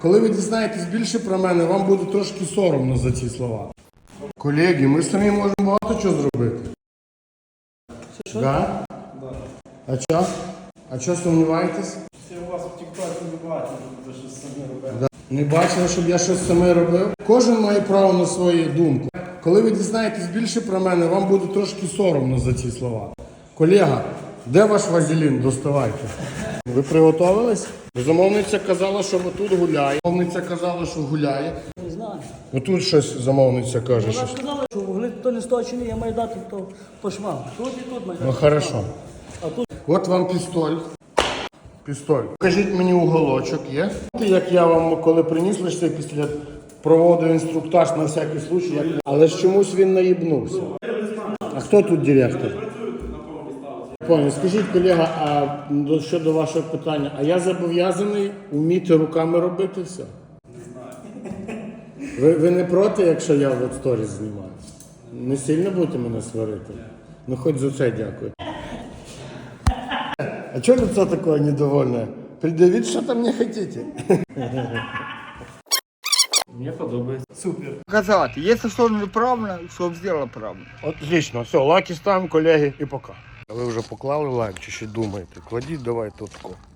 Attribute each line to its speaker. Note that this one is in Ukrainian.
Speaker 1: Коли ви дізнаєтесь більше про мене, вам буде трошки соромно за ці слова. Колеги, ми самі можемо багато чого зробити.
Speaker 2: Що?
Speaker 1: Да?
Speaker 2: Да.
Speaker 1: А що? А що сумніваєтесь?
Speaker 2: Всі у вас в тіктоці не бачили, що щось самі робили.
Speaker 1: Да. Не бачили, щоб я щось саме робив? Кожен має право на свою думку. Коли ви дізнаєтесь більше про мене, вам буде трошки соромно за ці слова. Колега, де ваш вазелін? Доставайте. Ви приготовились? Замовниця казала, що отут гуляє. Замовниця казала, що гуляє.
Speaker 2: Не знаю.
Speaker 1: Отут щось замовниця каже.
Speaker 2: Вона
Speaker 1: Щось.
Speaker 2: сказала, що вугли то не сточені, я маю дати то по швам. Тут і тут маю дати.
Speaker 1: Ну хорошо.
Speaker 2: А тут
Speaker 1: От вам пістоль. Пістоль. Покажіть мені уголочок, є? Як я вам коли приніс лише після проводив інструктаж на всякий случай, як... але ж чомусь він наїбнувся. А хто тут директор? Пані, скажіть, колега, а щодо вашого питання, а я зобов'язаний вміти руками робити все? Ви не проти, якщо я от сторіс знімаю? Не сильно будете мене сварити? Ну хоч за це дякую. А чого лицо такое недовольне? Предъявить что-то мне хотите?
Speaker 2: мені подобається. Супер.
Speaker 3: Показати. Якщо що неправильно, щоб зробила правильно.
Speaker 1: Отлично, все, лайки ставимо, колеги, і пока. А ви вже поклали лайк чи ще думаєте? Кладіть давай тут.